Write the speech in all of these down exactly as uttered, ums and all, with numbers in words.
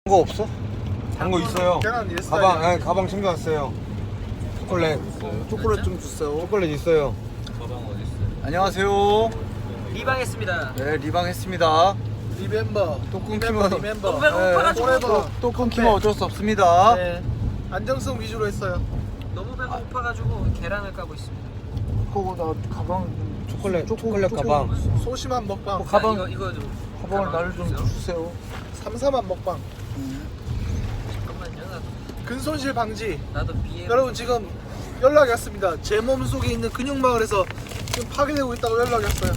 거 없어? 단 거 있어요. 계란 일 가방, 아, 가방 챙겨왔어요. 초콜릿. 초콜릿 좀 주세요. 초콜릿 있어요. 가방 어디 있어요? 안녕하세요. 리방했습니다. 네, 리방했습니다. 리멤버. 또 끊기면 리멤버. 너무 배고파가지고. 네, 또, 포레버. 또 끊기면 어쩔 수 없습니다. 네. 안정성 위주로 했어요. 너무 배고파가지고 계란을 까고 있습니다. 그거 나 가방 초콜릿, 초콜릿 가방. 소심한 먹방. 가방. 자, 이거 이거 좀 가방을 나를 좀 주세요. 주세요. 삼삼한 먹방. 잠깐만요. 나도, 근손실 방지. 나도 비에. 여러분 지금 연락이 왔습니다. 제 몸 속에 있는 근육마을에서 지금 파괴되고 있다고 연락이 왔어요.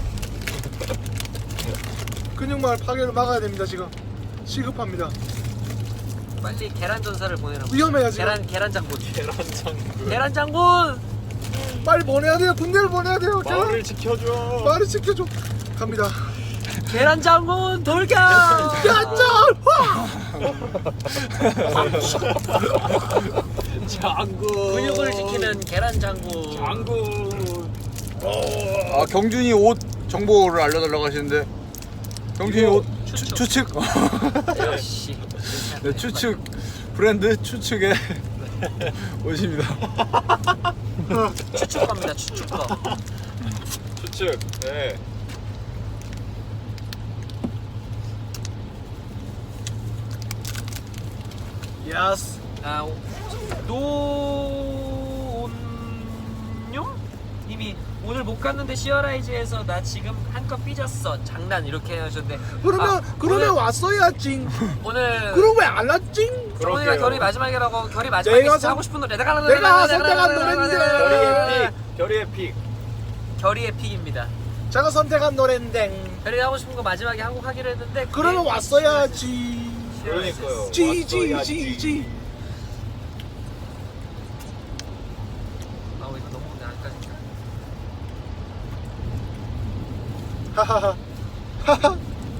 근육마을 파괴를 막아야 됩니다. 지금 시급합니다. 빨리 계란 전사를 보내라고. 위험해요 지금. 계란 계란 장군. 계란 장군. 계란 장군. 빨리 보내야 돼요. 군대를 보내야 돼요. 마을을 지켜줘. 말을 지켜줘. 갑니다. 계란 장군 돌격. 야짜! 장군. 근육을 지키는 계란 장군. 장군. 아, 경준이 옷 정보를 알려달라고 하시는데. 경준이 옷 추측. 추, 추측. 역시. 네, 추측. 브랜드 추측의 옷입니다. 추측갑니다. 추측거. 추측. 네. 야스. 아, 오- 노온용 님이 오늘 못 갔는데 시어라이즈에서 나 지금 한껏 삐졌어. 장난 이렇게 하셨는데. 그러면 아, 그러면 오늘, 왔어야지. 오늘 그럼 왜 안 왔지? 오늘가 그러게요. 결이 마지막이라고 결이 마지막에 내가 진짜 선- 하고 싶은 노래 내가 내가 선택한 노래인데. 결의의 픽. 결의의 픽. 결의의 픽입니다. 제가 선택한 노래인데. 결이 하고 싶은 거 마지막에 한 곡 하기로 했는데 그러면 그게 왔어야지. 그러니까요. 지지지지. 아 이거 너무 안까지. 하하하. 하하.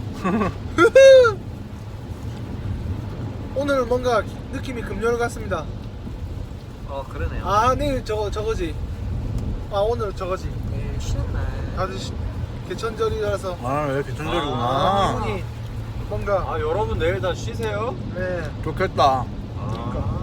오늘 뭔가 느낌이 금요일 같습니다. 어 그러네요. 아 내일 저거 저거지. 아 오늘 저거지. 내일 쉬는 날. 다들 시- 개천절이라서 아, 왜 이렇게 아, 전절이구나. 기분이 뭔가 아 여러분 내일 다 쉬세요. 네. 좋겠다. 아.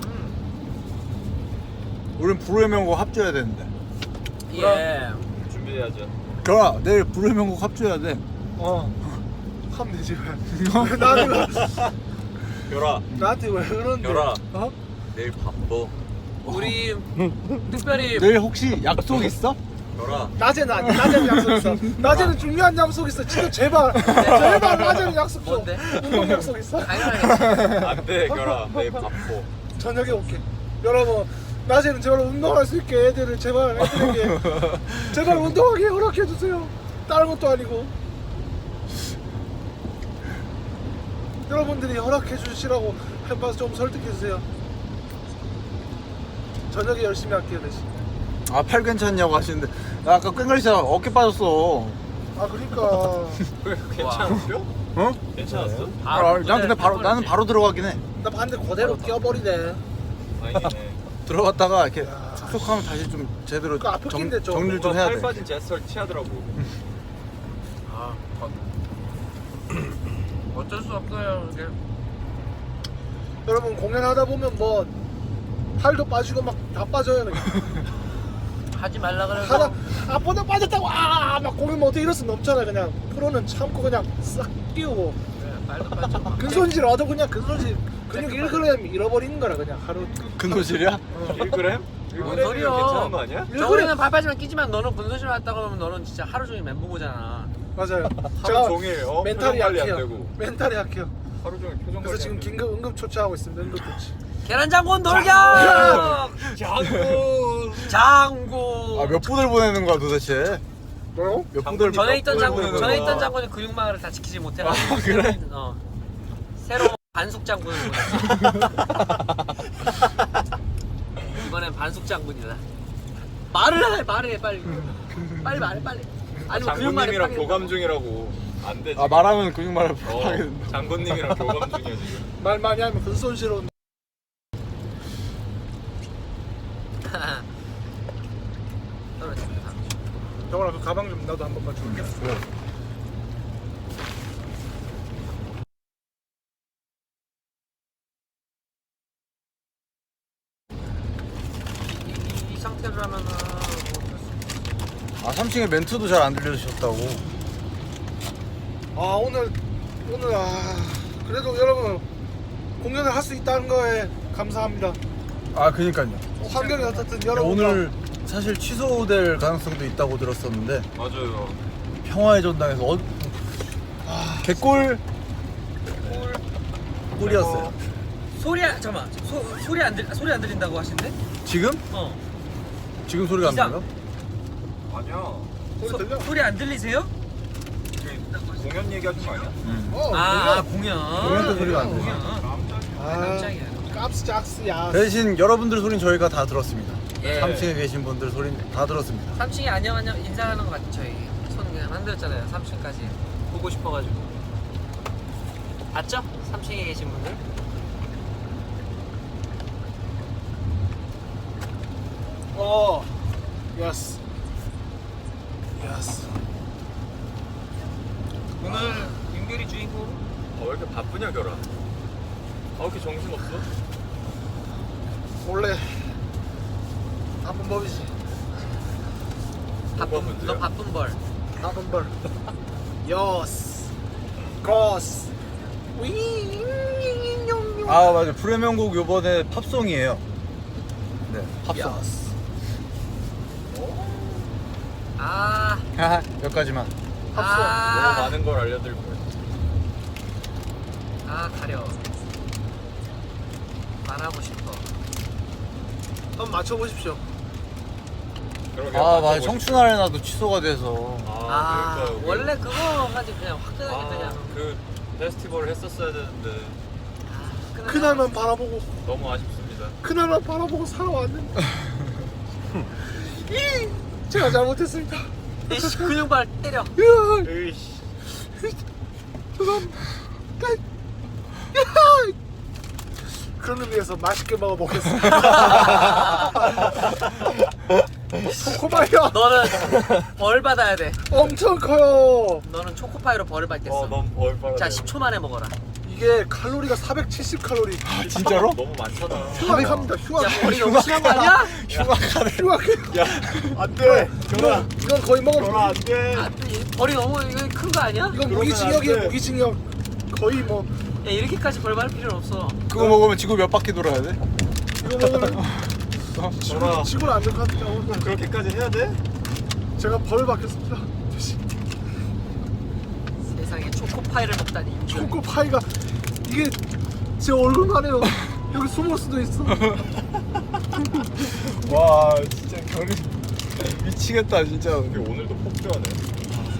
우린 불후의 명곡 합줘야 되는데. 예. 준비해야죠. 결아, 내일 불후의 명곡 합줘야 돼. 어. 하면 되지 왜? 왜 나한테 왜- 결아. 나한테 왜 그런데? 결아. 어? 내일 바빠. 우리 특별히 내일 혹시 약속 있어? 결아. 낮에는 아니. 낮에는 약속 있어. 낮에는 중요한 약속 있어. 진짜 제발. 제발 낮에는 약속 좀. 뭔데? 운동 약속 있어. 당연하겠지. 안돼 결아. 내일 바빠. 저녁에 올게. 여러분 낮에는 제발 운동할 수 있게 애들을 제발 애들에게 제발 운동하게 허락해 주세요. 다른 것도 아니고 여러분들이 허락해 주시라고 해봐서 좀 설득해 주세요. 저녁에 열심히 할게요 대신. 아, 팔 괜찮냐고 하시는데. 나 아까 꽹가리차 어깨 빠졌어. 아 그러니까 괜찮았어? 어? 괜찮았어? 아, 난 근데 바로, 나는 바로 들어가긴 해. 나 반대 그대로 끼어버리네. 아니네. 들어갔다가 이렇게 야. 축축하면 다시 좀 제대로 그 앞에 정, 낀데 좀. 정리를 좀 뭔가 해야 팔 돼. 빠진 제스처를 취하더라고. 아, 어쩔 수 없어요. 이게. 여러분 공연하다 보면 뭐 팔도 빠지고 막 다 빠져요. 그냥. 하지 말라 그래서 하다 아보다 빠졌다고 아막 공연 뭐 어떻게 이럴 수는 없잖아. 그냥 프로는 참고 그냥 싹 끼우고 네, 말도 빠져. 근손실 얻어 그냥 근손실 근육 일 그램 잃어버리는 거라 그냥 하루. 근호실이야? 일 그램? 일 뭔 그램이면 소리야. 괜찮은 거 아니야? 일 저번에는 그램 발빠지만 끼지만 너는 분소실 왔다 그러면 너는 진짜 하루 종일 멘붕 오잖아. 맞아요. 하루 종일 어? 멘탈이 표정 관리 안 약해요. 되고. 멘탈이 약해요. 하루 종일 표정 관리 그래서 지금 안 되고. 긴급 응급 조치하고 있습니다. 응급 조치. 계란 장군 돌격! 장군. 장군. 아, 몇 분을 보내는 거야 도대체? 뭐요? 몇 분을 전에 있던 몇 장군, 분을 전에 보내는 있던 거야. 장군이 근육망을 다 지키지 못해가지고. 아, 그래? 어. 새로 반숙 장군을 보냈어. 이번엔 반숙 장군이다. 말을 해, 말을 해, 빨리. 빨리 말해, 빨리. 아니면 근육망을 장군님이랑 파괴. 교감 중이라고. 안 돼. 아, 말하면 근육말을 어, 하게 된다. 장군님이랑 교감 중이야 지금. 말 많이 하면 근손실 온. 떨어집니다. 정원아 그 가방 좀 나도 한 번만 줄게. 그래. 하면은 뭐 아 삼 층에 멘트도 잘 안 들려주셨다고. 아 오늘 오늘 아 그래도 여러분 공연을 할 수 있다는 거에 감사합니다. 아 그니까요. 환경이 어떻든 여러분 오늘 사실 취소될 가능성도 있다고 들었었는데 맞아요. 평화의 전당에서 어... 아, 개꿀 꿀이었어요. 소리 안- 잠깐만 소, 소리 안 들, 소리 안 들린다고 하시는데? 지금? 어 지금 소리가 안 이상. 들려? 아니야. 소리 들려? 소리 안 들리세요? 그 공연 얘기하는 거 아니야? 응. 어, 아 공연. 공연 공연도 소리가 안 들려. 공연 아, 깜짝이야. 깝스 짝스야. 대신 여러분들 소리는 저희가 다 들었습니다. 예. 삼 층에 계신 분들 소리는 다 들었습니다. 삼 층에 안녕 안녕 인사하는 거 맞죠? 저희 손 그냥 만들었잖아요. 삼 층까지 보고 싶어가지고 맞죠? 삼 층에 계신 분들 어, 예스, 예스. 오늘 윤결이 주인공 아, 왜 이렇게 바쁘냐 결아? 아, 왜 이렇게 정신 없어? 원래 나쁜 법이지. 바쁜 문제야? 너 바쁜 벌 나쁜 벌. 예스, 크로스. 위. 아 맞아. 불의 명곡 요번에 팝송이에요. 네 팝송. 예스. 아, 하하 여기까지만. 너무 아, 많은 걸 알려드릴 거야. 아 가려 말하고 싶어 한번 맞춰보십시오. 그러게, 아 맞아. 맞춰보시죠. 청춘 아레나도 취소가 돼서. 아, 아, 그러니까요. 원래 그거까지 그냥 화끈하게 아, 그냥 그 페스티벌을 했었어야 되는데 아, 화끈하게 그날만 바라보고 너무 아쉽습니다. 그날만 바라보고 살아왔는데 이 제가 잘못했습니다. 이씨 근육발 때려 으아, 으이씨. 죄송합니다. 그런 의미에서 맛있게 먹어보겠습니다. 초코바이야 너는 벌 받아야 돼 엄청 커요. 너는 초코파이로 벌을 받겠어 어, 너무 얼빠라. 자 십 초 만에 먹어라 이게 칼로리가 사백칠십 칼로리. 아, 진짜로? 너무 많잖아. 흉악합니다. 야 흉악. 벌이 너무 심한 거 아니야? 흉악하네. 흉악해. 야, 안 돼. 이건 이건 거의 먹을. 결아 안 돼. 아, 이 벌이 너무 큰 거 아니야? 이건 그러면 무기징역이에요. 안 돼. 무기징역. 거의 뭐 야 이렇게까지 벌 받을 필요는 없어 그거 먹으면 지구 몇 바퀴 돌아야 돼? 이거 먹으면 결아, 지구 지구를 안될 것 같아요. 오늘 그렇게까지 해야 돼? 제가 벌 받겠습니다. 세상에 초코파이를 먹다니 초코파이가 이게 제 얼굴만 해요. 여기 숨을 수도 있어. 와 진짜 결이 미치겠다 진짜. 근데 오늘도 폭주하네.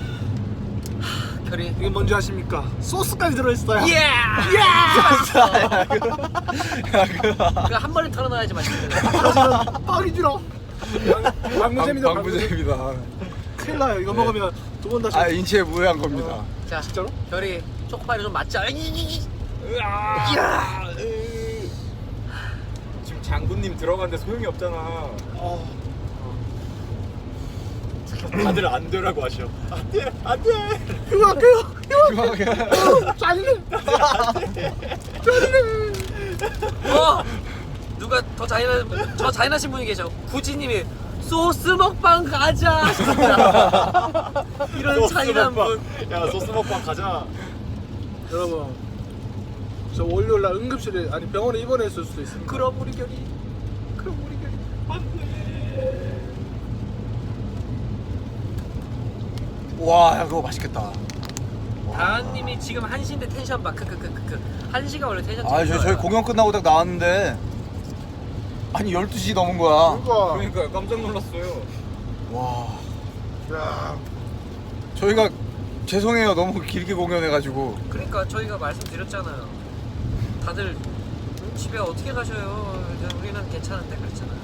결이 이게 뭔지 아십니까? 소스까지 들어있어요. 예! 야, 그거. 그거 한 번에 털어놔야지 맛있는 거야 그러지만 빵이 줄어. 방무잼이다. 방무잼. 방부제입니다. 큰일 나요. 이거 먹으면 두 번 다시. 아 인체에 무해한 겁니다. 자 진짜로? 결이 초코파이를 좀 맞자 으아! 으. 지금 장군님 들어갔는데 소용이 없잖아. 어. 다들 안 되라고 하셔. 안 돼, 안 돼. 흉악해요. 흉하게. 흉악해요. 짜리네. 짜리네. 어! 누가 더 잔인한 저 잔인하신 분이 계셔 구지님이 소스 먹방 가자 하셨습니다 이런 소스 잔인한 먹방. 분 야, 소스 먹방 가자. 여러분, 저 월요일 날 응급실에 아니 병원에 입원했을 수도 있습니다. 그럼 우리 결이 그럼 우리 게 와 야, 그거 맛있겠다. 다은님이 지금 한 시인데 텐션 봐 크크크크크 한 시가 원래 텐션 아 저희, 저희 공연 끝나고 딱 나왔는데 아니 열두 시 넘은 거야. 그러니까. 그러니까 깜짝 놀랐어요. 와 야, 저희가 죄송해요 너무 길게 공연해가지고. 그러니까 저희가 말씀드렸잖아요 다들 집에 어떻게 가셔요 우리는 괜찮은데 그랬잖아요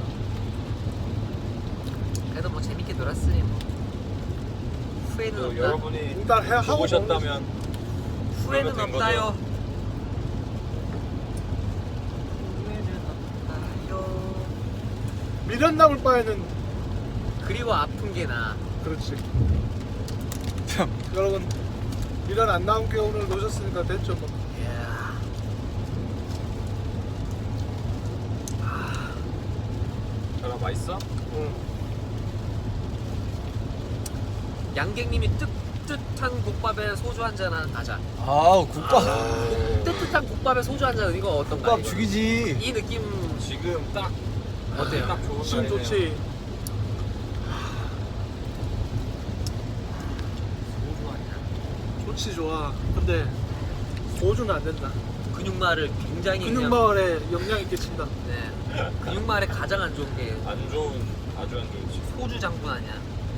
그래도 뭐 재밌게 놀았으니 뭐 후회는 또 없다 여러분이 일단 해 하고 보셨다면 후회는 그러면 된 없다요 거죠. 후회는 없다요 미련 남을 바에는 그리고 아픈 게 나아 그렇지. 참. 여러분 미련 안 남게 오늘 노셨으니까 됐죠 뭐. 이야. 결아 맛있어? 응. 양갱님이 뜨뜻한 국밥에 소주 한잔 하는 가자. 아 국밥 뜨뜻한 국밥에 소주 한잔 이거 어떤가요? 국밥 죽이지. 이 느낌 지금 딱 어때요? 딱 좋은 지금 날이네요. 좋지. 소주 아니야? 좋지 좋아. 근데 소주는 안 된다. 근육마를 굉장히 그냥- 근육마을에 영향이 끼친다. 네. 근육마을에 가장 안 좋은 게 안 좋은 아주 안 좋은 집. 소주 장군 아니야?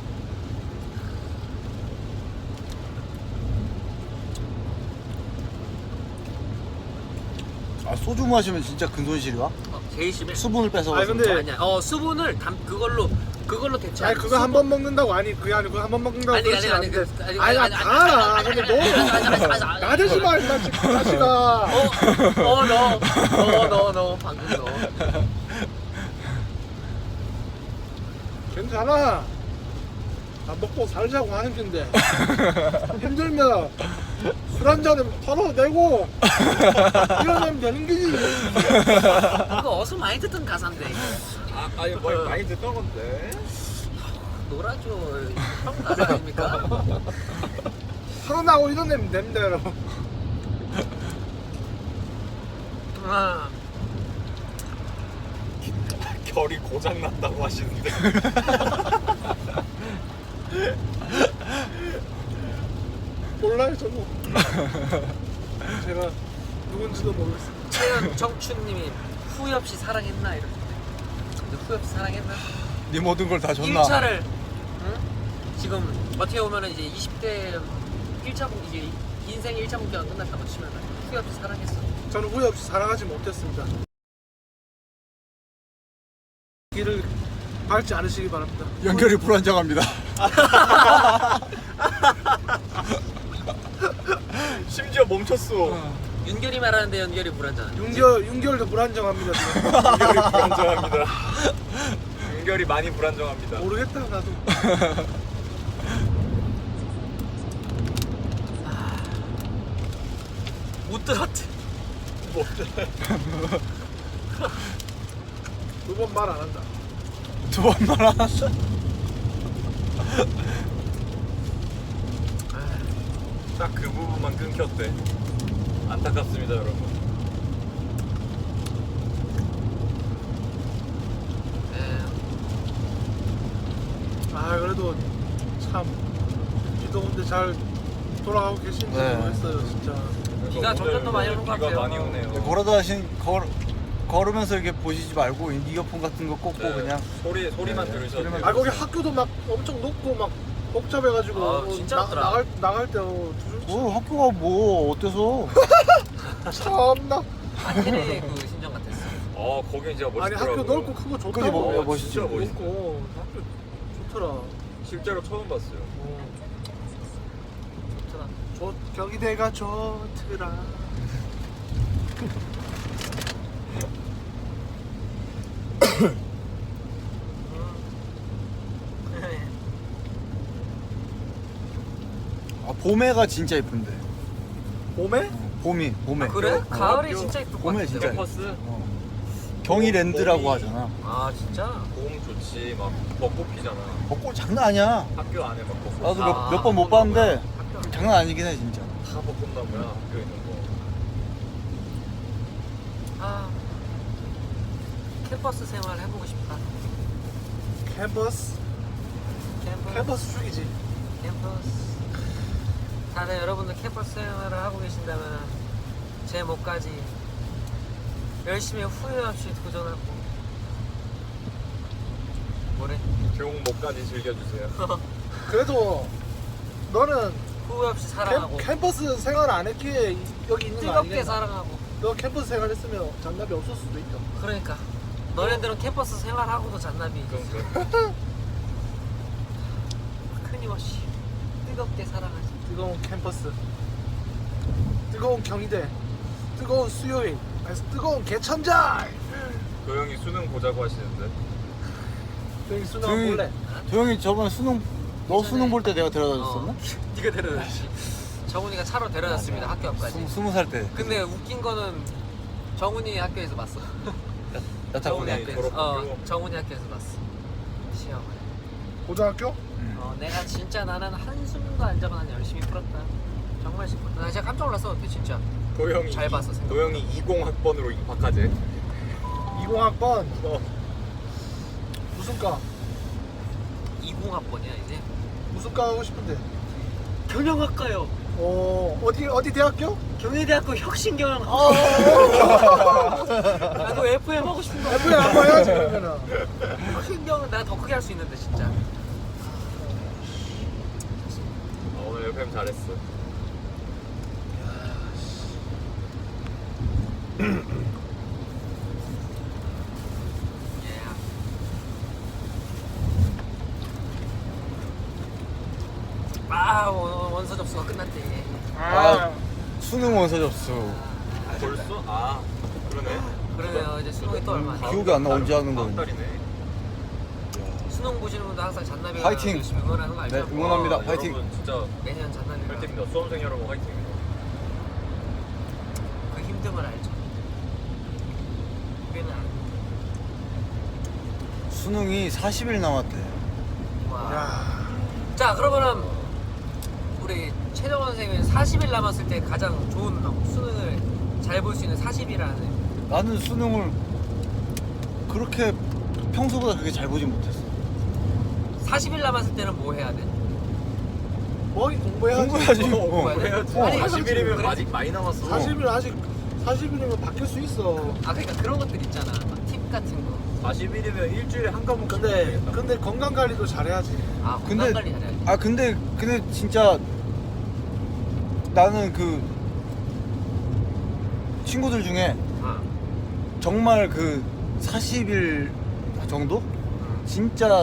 아 소주 마시면 진짜 근손실이 와? 어, 제일 심해. 수분을 뺏어. 아니, 근데- 아니야. 어 수분을 담 그걸로 그걸로 대체. 아니 그거 한 번 먹는다고 아니 그게 아니고 한 번 먹는다고 아니 아니 그렇지 아니 않은데. 그- 아니 아니 아니, 다 아니, 알아. 아니, 근데 아니, 아니, 아니, 아니, 아니, 너 아니, 나대지 마 임마 지금 자식아. 어어너너너너 방금 너. 괜찮아. 나 먹고 살자고 하는 건데 힘들면 술 한 잔에 털어내고 이러면 되는 거지. 이거 어서 많이 듣던 가사인데 이거. 아, 아니 뭐 많이 듣던 건데. 놀아줘. 형 가사 아닙니까? 털어나고 이러면 됩니다 여러분. 아, 결이 고장 난다고 하시는데. 몰라요 저도. 제가 누군지도 모르겠어요. 최연 청춘님이 후회 없이 사랑했나 이렇게. 근데 후회 없이 사랑했나? 네 모든 걸 다 줬나? 일 차를 응? 지금 어떻게 보면은 이제 이십 대 일 차 분 이제 인생 일 차 분기가 끝났다고 치면 후회 없이 사랑했어. 저는 후회 없이 사랑하지 못했습니다. 길을 밟지 않으시기 바랍니다. 연결이 불안정합니다. 심지어 멈췄어. 윤결이 말하는데 연결이 불안전. 윤결 윤결도 불안정합니다. 지금. 연결이 불안정합니다. 연결이 많이 불안정합니다. 모르겠다 나도. 못 들었대. 뭐 두 번 말 안 한다. 두 번 말아. 딱 그 부분만 끊겼대. 안타깝습니다, 여러분. 네. 아 그래도 참 이 더운데 잘 돌아가고 계신지 네. 모르겠어요 진짜. 비가 점점 더 많이 오는 것 비가 같아요. 많이 오네요. 걸어다 하신 걸 걸으면서 이렇게 보시지 말고 이어폰 같은 거 꽂고 네, 그냥 소리 소리만 네, 들으셔도 소리만 돼요. 아 거기 학교도 막 엄청 높고 막 복잡해가지고 아, 뭐 진짜 나, 없더라. 나갈 나갈 때 어, 두- 어, 학교가 뭐 어때서? 참나. 아테네 그 심정 같았어. 어, 거긴 진짜 멋있더라고요. 아니 학교 넓고 크고 좋다고. 그게 뭐- 어, 멋있지. 진짜 멋있어. 넓고 학교 좋더라. 실제로 처음 봤어요. 어, 좋더라. 좋 경희대가 좋더라. 아, 봄에가 진짜 예쁜데. 봄에? 어, 봄이 봄에. 아, 그래? 어, 가을이 학교- 진짜 예쁠 것 봄에 같아. 진짜 버스. 어. 경이랜드라고 봄이- 하잖아. 아 진짜? 봄 좋지. 막 벚꽃 피잖아. 벚꽃 장난 아니야. 학교 안에 막 벚꽃. 나도 아, 몇 번 못 벚꽃나무야. 봤는데 학교 장난 아니긴 해 진짜. 다 벚꽃나무야. 학교 있는 거. 아 캠퍼스 생활 해보고 싶다. 캠퍼스? 캠퍼스. 캠퍼스 죽이지. 캠퍼스. 다들 여러분들 캠퍼스 생활을 하고 계신다면 제 목까지 열심히 후회 없이 도전하고 뭐래? 교웅 목까지 즐겨주세요. 그래도 너는 후회 없이 사랑하고 캠, 캠퍼스 생활 안 했기에 이- 여기 있는 거 뜨겁게 아니겠나? 사랑하고. 너 캠퍼스 생활 했으면 장남이 없을 수도 있다. 그러니까 너네들은 캠퍼스 생활하고도 잔남이 그러니까. 끊임없이 뜨겁게 사랑하지. 뜨거운 캠퍼스, 뜨거운 경희대, 뜨거운 수요일, 아니, 뜨거운 개천절. 그 형이 수능 보자고 하시는데. 여기 수능 조용히- 볼래? 도영이 저번에 수능 너 예전에- 수능 볼 때 내가 데려다 줬었나? 어, 네가 데려다줬지. 정훈이가 차로 데려das습니다. 학교 앞까지. 스- 스무 살 때. 근데 웃긴 거는 정훈이 학교에서 봤어. 야타 정훈이 보내. 학교. 학교에서. 어, 졸업학교. 정훈이 학교에서 봤어. 시험을. 고등학교? 어, 내가 진짜 나는 한숨도 안 자고 난 열심히 풀었다. 정말 싶었다. 나 진짜 깜짝 놀랐어. 근데 진짜 도영이 잘 봤어, 생각보다. 도영이 이십 학번으로 박하재. 이십 학번 어. 무슨 과? 이십 학번이야 이제. 무슨 과 하고 싶은데? 경영학과요. 어 어디 어디 대학교? 경희대학교 혁신경영. 어. 나도 에프엠 하고 싶은 거. 에프엠 한번 해야지 그러면은. 혁신경은 내가 더 크게 할 수 있는데 진짜. 어, 오늘 에프엠 잘했어. 예. 아 원- 원서 접수가 끝났대. 아, 수능 원서 접수. 아, 벌써? 아 그러네. 그러네요. 이제 수능이 또 얼마 안 남았. 기억이 안 나, 언제 하는 다음 거였는지. 달이네. 수능 보시는 분들 항상 잔나비가 파이팅! 열심히 응원하는 거 알죠? 네, 응원합니다. 아, 파이팅! 여러분 진짜 매년 잔나비가 화이팅입니다. 수험생 여러분 화이팅입니다. 그 힘듦을 알죠. 꽤나 수능이 사십 일 남았대. 와. 야. 자 그러면은 우리 최정원 선생님은 사십 일 남았을 때 가장 좋은 수능을 잘 볼 수 있는 사십 일이라는 나는 수능을 그렇게 평소보다 그렇게 잘 보진 못했어. 사십 일 남았을 때는 뭐 해야 돼? 뭐하기 공부해야지. 공부해야지. 어, 어. 공부해야지. 어. 아니 사십 일이면 그래? 아직 많이 남았어. 사십 일 아직 사십 일이면 바뀔 수 있어. 아 그러니까 그런 것들 있잖아 막 팁 같은 거. 사십 일이면 일주일에 한 과목. 근데 근데 건강 관리도 잘해야지. 아 근데 건강 관리 잘해야지. 아 근데 근데 진짜 나는 그 친구들 중에 아. 정말 그 사십 일 정도? 진짜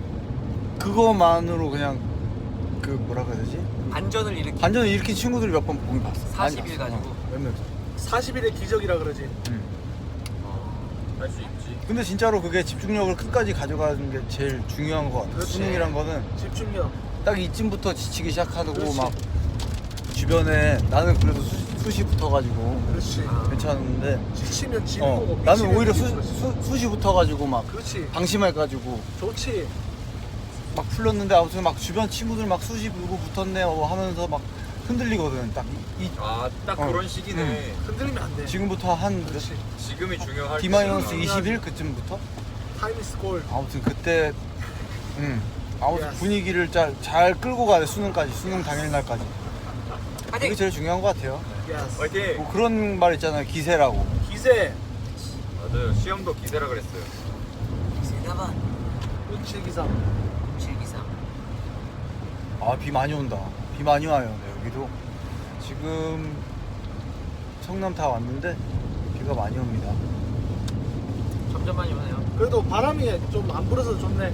그거만으로 그냥 그 뭐라 그래야 되지? 반전을 일으키. 반전을 일으킨 친구들을 몇 번 보긴 봤어. 많이 사십 일 봤어. 가지고? 어, 몇 명. 사십 일의 기적이라 그러지. 응. 할 수 있지. 근데 진짜로 그게 집중력을 끝까지 가져가는 게 제일 중요한 것 같아. 그렇지. 수능이란 거는 집중력. 딱 이쯤부터 지치기 시작하고 그렇지. 막 주변에 나는 그래도 수, 숱이 붙어가지고 그렇지. 아. 괜찮은데 지치면 지는 어, 거고. 나는 미치면 오히려 수, 미치는 거지. 수, 숱이 붙어가지고 막 그렇지. 방심해가지고 좋지. 막 풀렸는데 아무튼 막 주변 친구들 막 숱이 불고 붙었네 어, 하면서 막 흔들리거든. 딱 이, 이- 아딱 어. 그런 시기네. 흔들리면 안 돼. 지금부터 한 그렇지. 지금이 중요할 D 마이너스 때구나. 이십 일 그쯤부터 타임 이스 골. 아무튼 그때 음 아무튼 Yes. 분위기를 잘, 잘 끌고 가야 돼. 수능까지 수능 당일날까지 그게 파이팅. 제일 중요한 것 같아요. 예스. 화이팅. 뭐 그런 말 있잖아요. 기세라고. 기세. 맞아요. 시험도 기세라 그랬어요. 세다반 운칠기상. 칠기상. 아 비 많이 온다. 비 많이 와요. 네, 여기도 지금 성남 다 왔는데 비가 많이 옵니다. 점점 많이 오네요. 그래도 바람이 좀 안 불어서 좋네.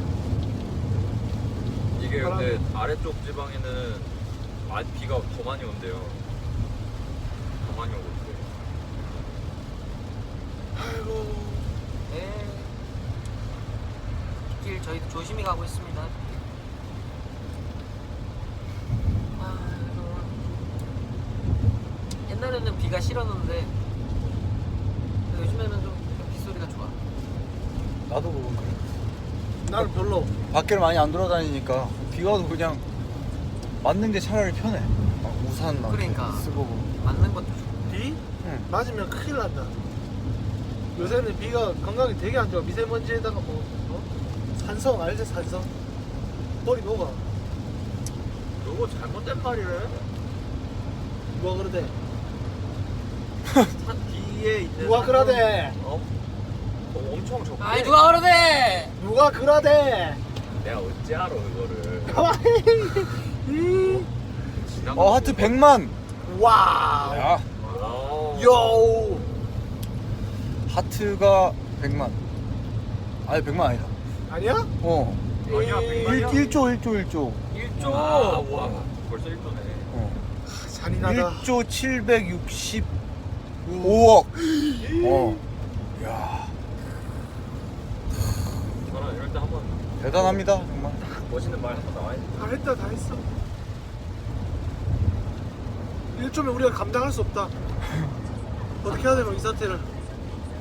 이게 바람. 근데 아래쪽 지방에는 아, 비가 더 많이 온대요. 더 많이 오고 있대요. 아이고. 네. 길 저희도 조심히 가고 있습니다. 아, 정말. 옛날에는 비가 싫었는데 요즘에는 좀 빗소리가 좋아. 나도 그건 그래. 나는 별로. 밖을 많이 안 돌아다니니까 비가 와도 그냥 맞는 게 차라리 편해. 막 우산 막 이렇게 그러니까. 쓰고. 맞는 것도 좋고. 비? 응. 맞으면 큰일 난다. 요새는 비가 건강에 되게 안 좋아. 미세먼지에다가 뭐 어? 산성 알지? 산성. 머리 녹아. 그거 잘못된 말이래. 누가 그러대? 산 뒤에 이제 누가 그러대? 어? 어, 엄청 적게. 아이 누가 그러대? 누가 그러대? 내가 어찌 알아 그거를. 가만히. 지나가고. 어 하트 백만. 와우. 야 와우. 요. 하트가 백만. 아니 백만 아니다. 아니야? 어. 아니야, 백만이야? 일 조 일 조 일 조. 일조. 아, 와. 벌써 일 조네. 어. 아, 잔인하다. 일 조 칠백육십오억. 어. 야 저는 이럴 때 한번 대단합니다 정말. 멋있는 말 한번 나와야 돼. 다 했다 다 했어. 일점에 우리가 감당할 수 없다. 어떻게 해야 되노 이 사태를.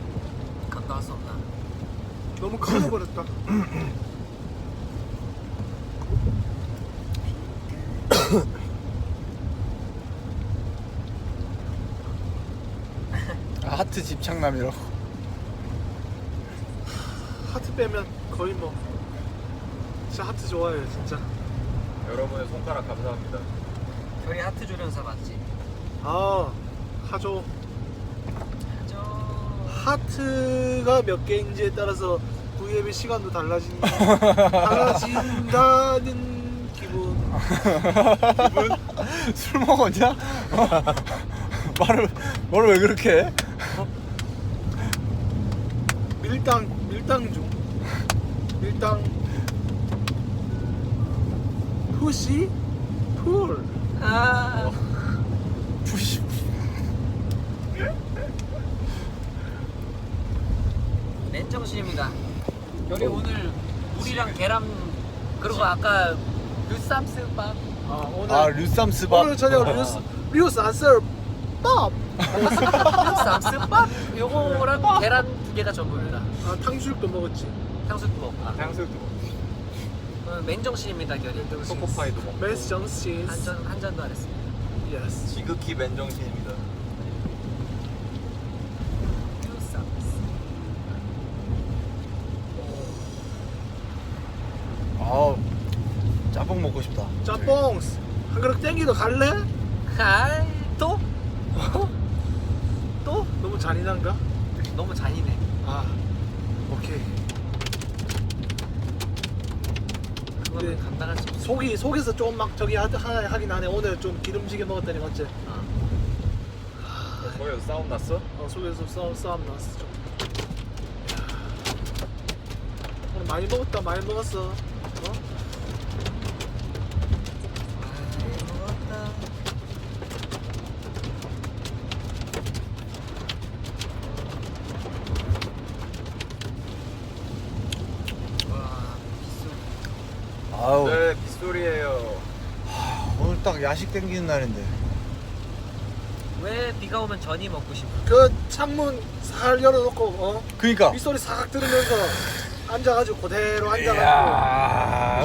감당할 수 없나? 너무 커져버렸다. 아, 하트 집착남이라고. 하트 빼면 거의 뭐 진짜 하트 좋아해요 진짜. 여러분의 손가락 감사합니다. 결이 하트 조련사 맞지? 아 하죠. 저 하트가 몇 개인지에 따라서 V앱의 시간도 달라진 달라진다는 기분. 기분? 술 먹었냐? 말을 말을 왜 그렇게 해? 밀당 밀당 중. 밀당. 푸시 풀. 아 푸시. 맨정신입니다. 결이 오늘 물이랑 계란 그리고 아까 류쌈스밥 아 오늘 아 류쌈스밥. 오늘 저녁 류스 류스 안썰 밥. 류쌈스밥 요거랑 계란 두 개가 전부입니다. 아 탕수육도 먹었지. 탕수육도 먹고 아, 탕수육도 먹고 오늘 맨정신입니다 결이. 초코파이도 먹고 메스 정씨. 한잔 한 잔도 안 했습니다. 예스. 지극히 맨정신입니다. 류쌈스. 아 짬뽕 먹고 싶다. 짬뽕스. 한 그릇 땡기도 갈래? 아이 또? 또? 너무 잔인한가? 너무 잔인해. 아 오케이. 그거는 네. 감당할 수 없어. 속이 속에서 좀 막 저기 하, 하, 하긴 하네. 오늘 좀 기름지게 먹었다니 어째? 어. 거기서 싸움 났어? 어, 속에서 싸움 싸움 났어 좀. 야. 오늘 많이 먹었다 많이 먹었어. 어? 아이, 먹었다. 와, 빗소리. 아우 네, 빗소리예요. 오늘 딱 야식 땡기는 날인데. 왜 비가 오면 전이 먹고 싶어? 그 창문 살 열어놓고 어? 그니까. 빗소리 싹 들으면서 앉아가지고 그대로 앉아가지고. 이야.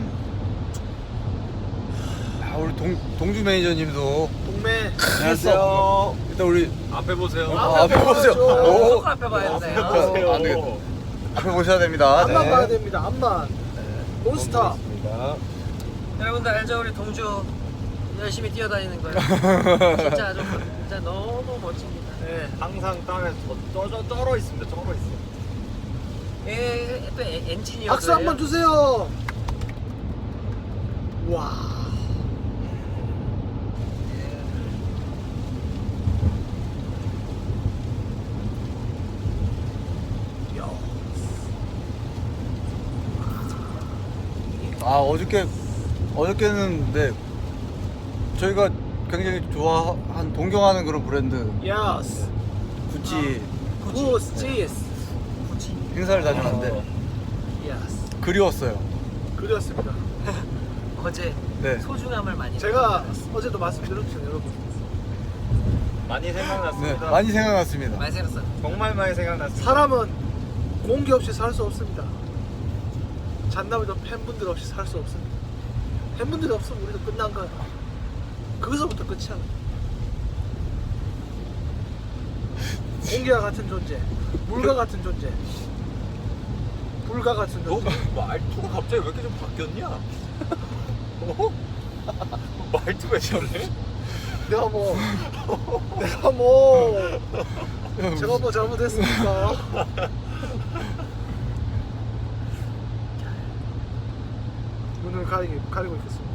아, 우리 동 동주 매니저님도 동네. 안녕하세요. 일단 우리 앞에 보세요. 어, 아, 앞에 보세요. 보여줘. 오. 조금 앞에 봐야 돼요. 보세요. 안 되겠다. 앞에 보셔야 됩니다. 앞만 네. 봐야 됩니다. 앞만. 몬스타. 있습니다. 여러분들 알죠? 우리 동주 열심히 뛰어다니는 거예요. 진짜 아주 진짜 너무 멋집니다. 네. 항상 땅에 저- 쩔어, 쩔어 있습니다. 쩔어 있어. 에, 또 에- 엔지니어. 박수 한번 주세요. 와. 야. 아 어저께 어저께는 네 저희가 굉장히 좋아한 동경하는 그런 브랜드 예스. 구찌 구스 치스. 굳이 행사를 다녀왔는데 예스. 그리웠어요. 그렸습니다. 어제 네. 소중함을 많이 제가 느꼈어요. 어제도 말씀드렸죠, 여러분. 많이 네, 생각났습니다. 많이 생각났습니다. 많이 생겼어. 정말 많이 생각났습니다. 사람은 공기 없이 살 수 없습니다. 잔나비도 팬분들 없이 살 수 없습니다. 팬분들이 없으면 우리도 끝난 거야. 거기서부터 끝이야. 공기와 같은 존재, 물과 같은 존재, 불과 같은 너 존재. 말투가 갑자기 왜 이렇게 좀 바뀌었냐? 어? 말투가 왜 저래? 내가 뭐, 내가 뭐, 제가 뭐 잘못했습니까? 눈을 가리고, 가리고 있겠습니다.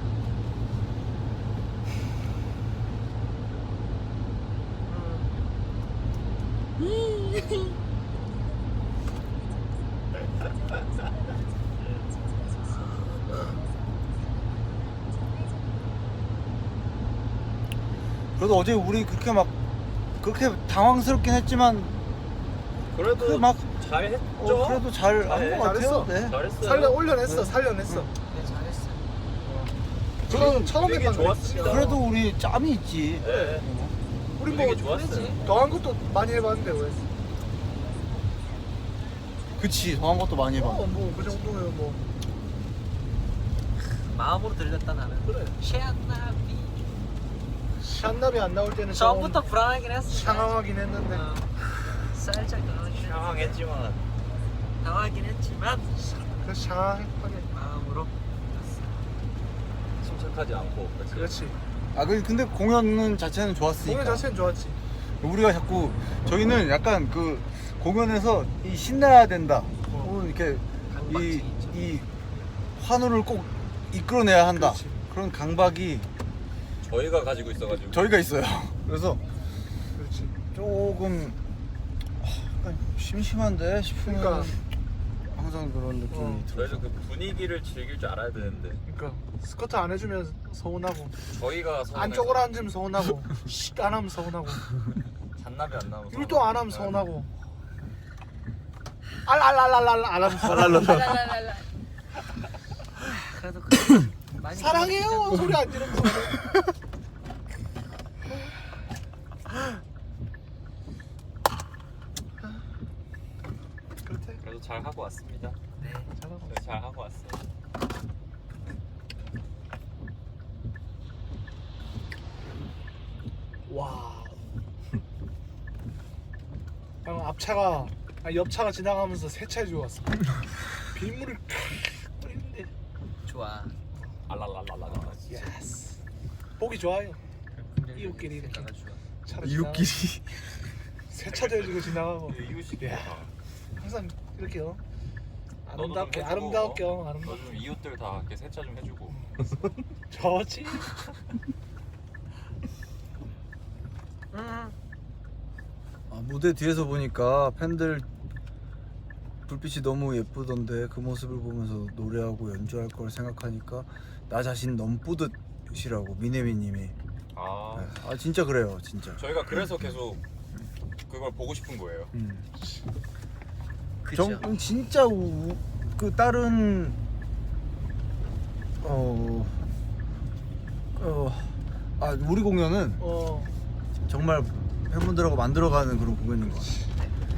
그래도 어제 우리 그렇게 막 그렇게 당황스럽긴 했지만 그래도 그 막 잘했죠? 어, 그래도 잘 한 네, 것 같아요. 잘했어. 네. 잘했어요. 살려 올려냈어, 네. 살려냈어. 네, 잘했어. 저는 처음 되게 했던 좋았습니다. 그래도 우리 짬이 있지. 네. 우리 되게 뭐 좋았어요. 더한 것도 많이 해봤는데 왜? 그치, 더한 것도 많이 해봐. 어, 뭐그 정도면 뭐 마음으로 들렸다 나는. 그래. 샤나비. 샨납이 안 나올 때는 처음부터 좀 불안하긴 했어. 상황하긴 했는데 어, 살짝 당황하긴 했- 상황했지만 당황하긴 했지만 그 상황하게 마음으로 침착하지 않고. 그치? 그렇지. 아 그- 근데 공연 자체는 좋았으니까. 공연 자체는 좋았지. 우리가 자꾸 저희는 약간 그 공연에서 이 신나야 된다. 혹은 이렇게 강박증이 이, 있죠. 이 환호를 꼭 이끌어내야 한다. 그렇지. 그런 강박이 저희가 가지고 있어가지고. 저희가 있어요. 그래서 그렇지. 조금 아, 약간 심심한데 싶으면 그러니까. 항상 그런 느낌이 어. 들어요. 저희도 그 분위기를 즐길 줄 알아야 되는데 그러니까 스커트 안 해주면 서운하고 저희가 서운해서 안쪽으로 앉으면 서운하고 씩 안 하면 서운하고 잔나비 안 나오면 율동 안 하면 서운하고 알알알알알 안 하면 서운하고 랄랄랄랄. 그래도 그래도 많이 사랑해요 소리 안 지르면서 그렇대. 그래도 잘 하고 왔습니다. 네. 잘하고 네, 잘 하고 왔어요. 와. 방금 앞차가 아니 옆차가 지나가면서 세차해 주고 왔어. 빗물을 칵 뿌리는데. 좋아. 알랄랄랄라. 예스. 보기 좋아요. 이웃끼리 이렇게. 생각을 좋아. 차로 이웃끼리 지나가고 세차도 해주고 지나가고. 이웃이 야. 항상 이렇게요. 너도 좀 아름답게 해주고, 아름답게 어? 아름답게. 너좀 이웃들 다 이렇게 세차 좀 해주고. 좋지. 음. 아, 무대 뒤에서 보니까 팬들 불빛이 너무 예쁘던데 그 모습을 보면서 노래하고 연주할 걸 생각하니까 나 자신 너무 뿌듯이라고 미네미님이. 아 아 진짜 그래요 진짜. 저희가 그래서 계속 그걸 보고 싶은 거예요. 음. 그죠. 정 진짜 우, 그 다른 어, 어, 아 우리 공연은 어. 정말 팬분들하고 만들어가는 그런 공연인 것 같아요.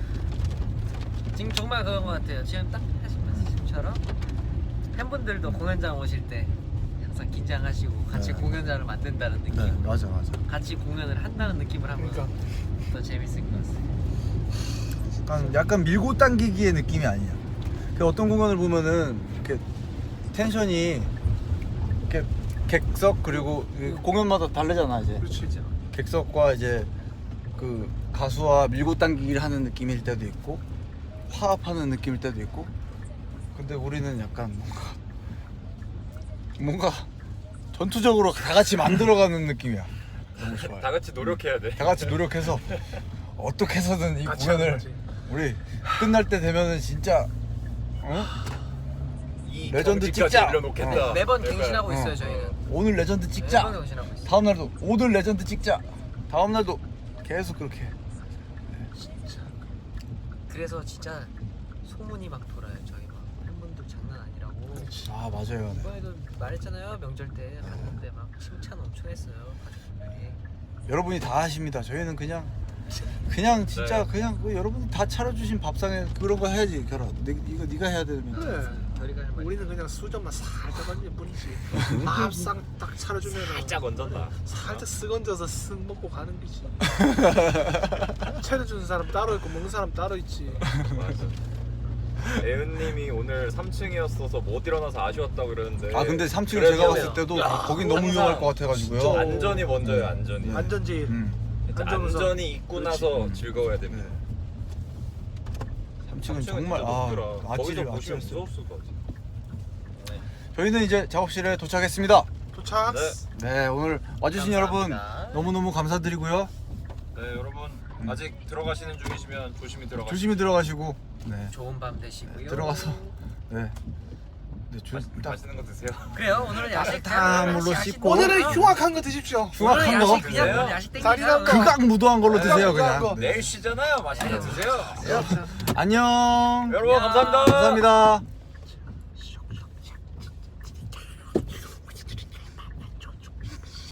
지금 정말 그런 것 같아요. 지금 딱 하신 말씀처럼 팬분들도 공연장 오실 때 항상 긴장하시고 같이 네. 공연장을 만든다는 느낌, 네 맞아 맞아. 같이 공연을 한다는 느낌을 하면 그러니까. 더 재밌을 것 같아요. 약간 약간 밀고 당기기의 느낌이 아니야. 그 어떤 공연을 보면은 이렇게 텐션이 이렇게 객석 그리고 이 공연마다 다르잖아 이제. 그렇지. 객석과 이제 그 가수와 밀고 당기기를 하는 느낌일 때도 있고 화합하는 느낌일 때도 있고. 근데 우리는 약간 뭔가 뭔가 전투적으로 다 같이 만들어가는 느낌이야. 너무 좋아요. 다 같이 노력해야 돼. 다 같이 노력해서 어떻게 해서든 이 같이 하는 공연을 거지. 우리 끝날 때 되면은 진짜 어? 이 레전드 경지까지 찍자! 올려놓겠다. 어. 매번 약간, 갱신하고 어. 있어요 저희는. 오늘 레전드 찍자. 매번 갱신하고 있어요. 다음 날도 오늘 레전드 찍자. 다음 날도 계속 그렇게. 해. 그래서 진짜 소문이 막 돌아요. 저희 막 팬분들 장난 아니라고. 아 맞아요. 네. 이번에도 말했잖아요. 명절 때 갔는데 막 칭찬 엄청 했어요. 가족분들이. 여러분이 다 하십니다. 저희는 그냥 그냥 진짜 네. 그냥 그 여러분이 다 차려주신 밥상에 그런 거 해야지 결혼. 네, 이거 네가 해야 되면. 그래. 저희가 할 말이 우리는 그냥 수저만 살짝 얹을 뿐이지. 밥상 딱 차려주면 살짝 얹었다. 살짝 쓱 얹어서 쓱 먹고 가는 거지. 차려주는 사람 따로 있고 먹는 사람 따로 있지. 맞아. 애은님이 오늘 삼 층이었어서 못 일어나서 아쉬웠다고 그러는데. 아 근데 삼 층 그래서 제가 봤을 때도 야, 거긴 너무 항상 위험할 것 같아가지고요. 진짜. 안전이 먼저예요. 안전이. 네. 안전지. 음. 진짜 안전우선. 안전이 있고 나서 음. 즐거워야 됩니다. 네. 삼 층은 삼 층은 정말 진짜 아 높더라. 거기서 아찔 보시면 아찔했어요. 무서웠을 것 같아. 저희는 이제 작업실에 도착했습니다. 도착. 네. 네 오늘 와주신 감사합니다. 여러분 너무너무 감사드리고요. 네 여러분 아직 들어가시는 중이시면 조심히 들어가시고. 조심히 들어가시고 네 좋은 밤 되시고요. 들어가서 네, 네 조, 맛- 딱 맛있는 거 드세요. 그래요. 오늘은 야식 따뜻함으로 야식- 씻고. 오늘은 흉악한 거 드십시오. 흉악한 오늘은 거 야식 그냥 그래요? 오늘 야식 다리랑 땡기자. 극악 무도한 걸로 드세요 극악 그냥. 거. 내일 쉬잖아요. 맛있는 거 드세요. 안녕. 여러분 감사합니다. 감사합니다.